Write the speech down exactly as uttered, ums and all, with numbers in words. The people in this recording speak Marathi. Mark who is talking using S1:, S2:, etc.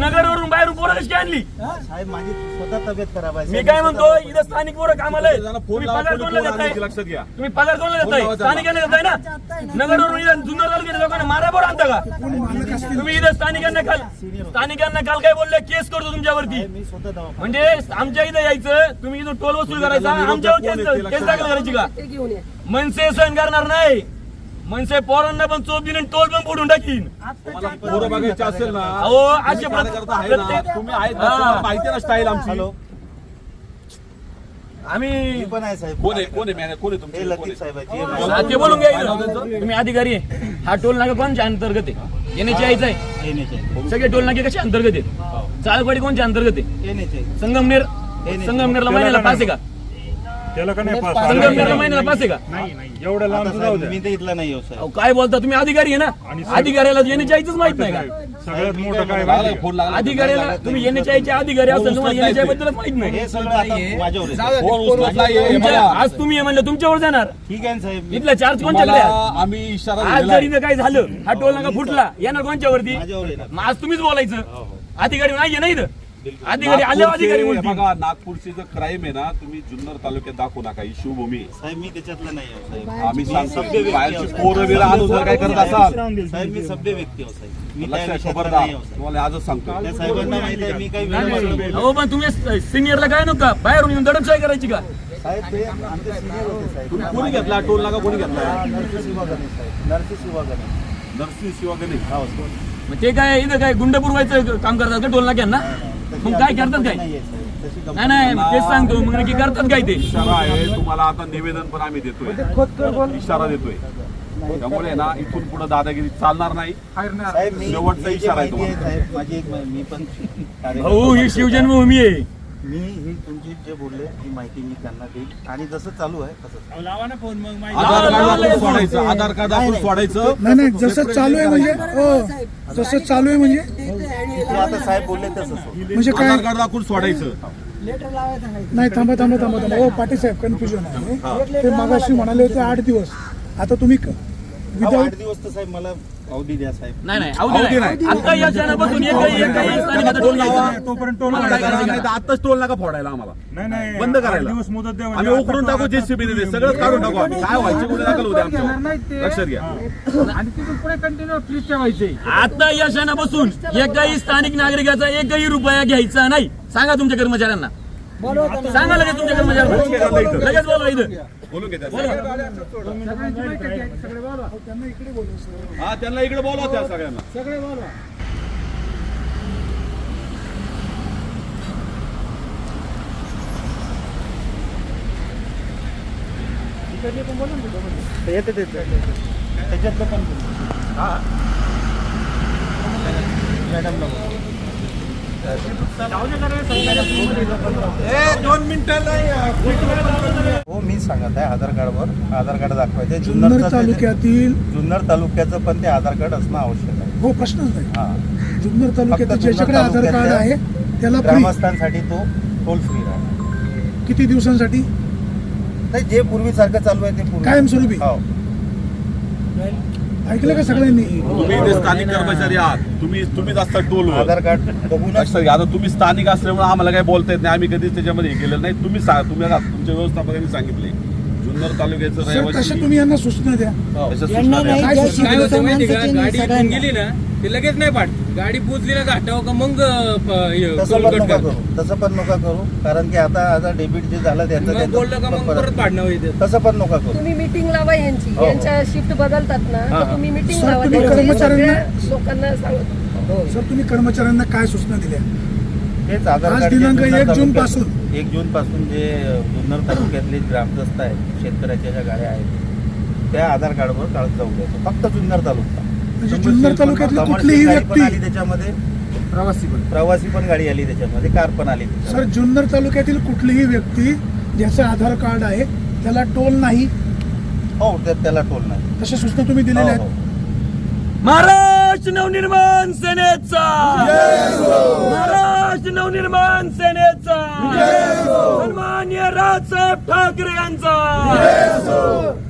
S1: नगरवरून बाहेरून पोरं कशी आणली?
S2: साहेब माझी स्वतः तब्येत खराब आहे.
S1: मी काय म्हणतो इथं स्थानिक पोरं कामाला आहेत. तुम्ही पगार कोणाला देताय?
S3: लक्षात घ्या.
S1: तुम्ही पगार कोणाला देताय? स्थानिकांना देताय ना. नगरवरून इथं जुन्नर तालुक्याच्या लोकांना मारा बरं आणता का तुम्ही? इथं स्थानिकांना काल स्थानिकांना काल काय बोलले? केस करतो तुमच्यावरती.
S2: मी स्वतः दवाखान्यात
S1: म्हणजे आमच्या इथं यायचं, तुम्ही इथून टोल वसूल करायचा, आमच्यावर केस केस दाखल करायची का? मनसे सहन करणार नाही. मनसे पोरांना पण चोप दिन टोल पण फोडून टाकीन.
S3: तुम्हाला पोरं बघायचे असेल ना,
S1: अहो असे
S3: कार्यकर्ता आहे ना, तुम्ही आहेत ना, तुम्हाला माहिती आहे ना स्टाईल आमची.
S2: हॅलो
S1: आम्ही
S2: मी पण आहे साहेब.
S3: कोण आहे कोण आहे मॅनेजर कोण आहे
S2: हे
S3: तुमचे?
S2: लतीफ साहेब आहे.
S1: हा, ते बोलून घ्या इथं. तुम्ही अधिकारी आहे. हा टोल नाका कोणच्या अंतर्गत आहे? येण्याची यायचं आहे.
S2: एनएच आहे.
S1: सगळे टोल नाके कशा अंतर्गत आहेत? चालवाडी कोणच्या अंतर्गत आहे?
S2: एनएच आहे.
S1: संगमनेर संगमनेरला महिन्याला पास आहे का?
S4: त्याला का नाही पास?
S1: संगमनेरला महिन्याला पास आहे का?
S4: नाही नाही एवढं लांब
S2: आता
S4: जाऊ
S2: साहेब
S4: द्या.
S2: मी तर इथला नाही हो साहेब.
S1: अहो, काय बोलता तुम्ही? अधिकारी आहे ना. अधिकाऱ्याला येण्याची यायचंच माहित नाही का?
S4: सगळ्यात मोठं काय
S3: लागला
S4: माहिती
S3: फोन लागला.
S1: अधिकाऱ्याला तुम्ही येण्याच्या यायचे अधिकारी असेल, तुम्हाला येण्याच्या बद्दलच माहित नाही.
S2: हे सगळं आता माझ्यावर आहे.
S3: फोन उचलत नाहीये, हे
S1: तुमच्या-
S3: बघा.
S1: आज तुम्ही हे म्हणलं तुमच्यावर जाणार.
S2: ठीक आहे ना साहेब.
S1: इथला चार्ज कोणच्याकडे आहे?
S3: तुम्हाला आम्ही इशारा
S1: आज
S3: दिलेला
S1: जरी
S3: आहे.
S1: इथं काय झालं, हा टोल नाका फुटला, येणार कोणच्यावरती?
S2: माझ्यावर आहे ना.
S1: मग आज तुम्हीच बोलायचं. अधिकारी नाहीये ना इथं. अधिकारी आल्यावर अधिकारी
S3: नागपूरचे-
S1: बोलतील.
S3: बघा नागपूरची जो क्राईम आहे ना, तुम्ही जुन्नर तालुक्यात दाखवू नका. ही शिवभूमी आहे.
S2: साहेब मी त्याच्यातला नाही हो साहेब.
S3: आम्ही
S2: मी
S3: सांगतो
S2: सभ्य व्यक्ती
S3: बाहेरची
S2: आहे.
S3: पोरं बिरं आणून जर काय करत असाल
S2: साहेब मी सभ्य व्यक्ती हो साहेब. मी त्या
S3: लक्षात
S2: विषयातला
S3: खबरदार.
S2: नाही हो साहेब.
S3: तुम्हाला आजच सांगतो.
S2: त्या साहेबांना माहिती आहे मी काही वेळ
S1: हो पण तुम्ही सिनियरला काय नका बाहेरून येऊन दडपशाही करायची का?
S2: साहेब ते आमचे सिनियर होते साहेब.
S3: तुम्ही कोणी घेतला टोल नाका? कोणी घेतला?
S2: नरसी शिवागणे साहेब. नरसी शिवागणे.
S3: नरसिंह शिवागणे.
S2: हो
S1: मग ते काय इथं काय गुंड पुरवायचं काम करतात का टोल नाक्यांना? मग काय करतात काय?
S2: नाहीये साहेब. तशी गंमत
S1: नाही नाही तेच सांगतो. मग नक्की करतात काय ते?
S3: इशारा आहे तुम्हाला. आता निवेदन पण आम्ही देतोय, इशारा देतोय. त्यामुळे ना इथून पुढे दादागिरी चालणार नाही.
S2: साहेब मी
S3: शेवटचा
S2: मी जे
S3: इशारा आहे
S2: माहिती आहे
S3: तुम्हाला.
S2: साहेब माझी एक मी पण कार्यकर्ता
S1: हो ही शिवजन्मभूमी आहे.
S2: मी ही तुमची जे बोलले ही माहिती मी त्यांना देईल आणि जसं चालू आहे तसं
S4: लावा ना फोन मग
S3: आधार कार्ड आपण सोडायचं. आधार कार्ड आपण सोडायचं.
S5: नाही नाही जसं चालू आहे म्हणजे हो जसं चालू आहे म्हणजे
S2: ते आता साहेब बोलले तसंच होईल.
S5: म्हणजे काय
S3: आधार कार्ड दाखवून सोडायचं.
S5: नाही थांबा थांबा थांबा थांबा हो पाटील साहेब कन्फ्युजन आहे. ते मागाशी म्हणाले होते आठ दिवस. आता तुम्ही
S2: अहो,
S5: विदाऊट
S2: आठ दिवस तर साहेब मला अवधी द्या साहेब.
S1: नाही नाही
S3: अवधी
S1: अवधी
S3: नाही.
S1: नाही. आता या क्षणापासून एकही एकही स्थानिकाचा टोल लावा.
S4: तोपर्यंत टोल
S1: मला
S3: काय
S1: काय
S3: करायचं
S1: करायचं
S3: नाही तर आत्ताच टोल नाका फोडायला आम्हाला.
S4: नाही नाही
S3: बंद करायला.
S4: आठ दिवस मुदत द्या.
S3: आम्ही उकरून टाकू. जेसीबी देते सगळं काढून टाकू आम्ही. काय व्हायचे कुठे दाखल होते आमच्या. लक्षात घ्या.
S4: आणि तिथून पुढे कंटिन्यू फ्रीज ठेवायचे.
S1: आता या क्षणापासून एकही स्थानिक नागरिकाचा एकही रुपया घ्यायचा नाही. सांगा तुमच्या कर्मचाऱ्यांना. सांगा लगेच तुमच्या कर्मचाऱ्यांना. लगेच बोलवा इथं.
S3: बोलून घे त्याला. हा त्यांना इकडे बोलवा त्या सगळ्यांना.
S2: येते ते त्याच्यातलं पण हा मॅडमला बोला.
S3: दोन मिनिटं
S2: हो मी सांगत आहे आधार कार्डवर आधार कार्ड दाखवायचे.
S5: जुन्नर
S2: जुन्नरचं
S5: तालुक्यातील
S2: जुन्नर तालुक्याचं पण ते आधार कार्ड असणं आवश्यक आहे.
S5: हो प्रश्नच नाही.
S2: हा
S5: जुन्नर तालुक्यातील
S2: फक्त
S5: ज्याच्याकडे
S2: जुन्नर
S5: आधार कार्ड
S2: तालुक्यातल्या
S5: आहे त्याला फ्री.
S2: ग्रामस्थांसाठी तो टोल फ्री राहणार.
S5: किती दिवसांसाठी?
S2: नाही जे पूर्वीसारखं चालू आहे ते पूर्वी
S5: कायमस्वरूपी.
S2: हो.
S5: ऐकलं का सगळ्यांनी?
S3: तुम्ही इथे स्थानिक कर्मचारी आहात. तुम्ही तुम्हीच असता टोलवर.
S2: आधार कार्ड बघूनच
S3: लक्षात घ्या. आता तुम्ही स्थानिक असल्यामुळे आम्हाला काही बोलता येत नाही. आम्ही कधीच त्याच्यामध्ये हे केलेलं नाही. तुम्ही सांगा. तुम्ही आता तुमच्या व्यवस्थापकांनी सांगितले जुन्नर तालुक्याचं
S5: सर
S3: रहिवासी.
S5: तशा तुम्ही यांना सूचना द्या.
S3: तशा सूचना द्या.
S5: काय सूचना
S6: काय
S5: द्या?
S6: होतं माहिती का, गाडी इथून गेली ना ते लगेच नाही पाठ. गाडी पोचली ना घाटावर का मग
S2: तसं
S6: टोल
S2: पण
S6: कट
S2: नका
S6: कर.
S2: करू. तसं पण नका करू कारण की आता आता डेबिट जे झालं त्याचं
S6: मग
S2: त्याचं
S6: बोललं का मग
S2: परत-
S6: परत पाडणं होईल.
S2: तसं पण नका करू.
S7: तुम्ही मीटिंग लावा यांची.
S2: हो.
S7: यांच्या शिफ्ट बदलतात ना
S2: हा,
S7: तर तुम्ही मीटिंग
S5: सर,
S7: लावा.
S5: तुम्ही
S7: त्यांची
S5: कर्मचाऱ्यांना-
S7: सगळ्या लोकांना सांगतो.
S5: सर तुम्ही कर्मचाऱ्यांना काय सूचना दिल्या?
S2: तेच आधार
S5: आज
S2: कार्ड जे
S5: दिनांक
S2: जुन्नर
S5: एक जून
S2: तालुक्यात-
S5: पासून.
S2: एक जून पासून जे जुन्नर तालुक्यातले ग्रामदस्त आहेत शेतकऱ्याच्या ज्या गाड्या आहेत त्या आधार कार्डवर काढत जाऊ द्यायचं. फक्त जुन्नर तालुका.
S5: म्हणजे जुन्नर तालुक्यातली कुठलीही
S2: गाडी पण
S5: व्यक्ती
S2: आली त्याच्यामध्ये. प्रवासी पण प्रवासी पण गाडी आली त्याच्यामध्ये. कार पण आली
S5: सर
S2: त्याच्यामध्ये.
S5: जुन्नर तालुक्यातील कुठलीही व्यक्ती ज्याचं आधार कार्ड आहे त्याला टोल नाही
S2: हो त्या- त्याला टोल नाही.
S5: तशा सूचना तुम्ही दिलेल्या
S2: हो,
S5: आहेत.
S2: हो.
S1: महाराष्ट्र नवनिर्माण सेनेचा महाराष्ट्र नवनिर्माण सेनेचा सन्मान्य राजसाहेब ठाकरे यांचा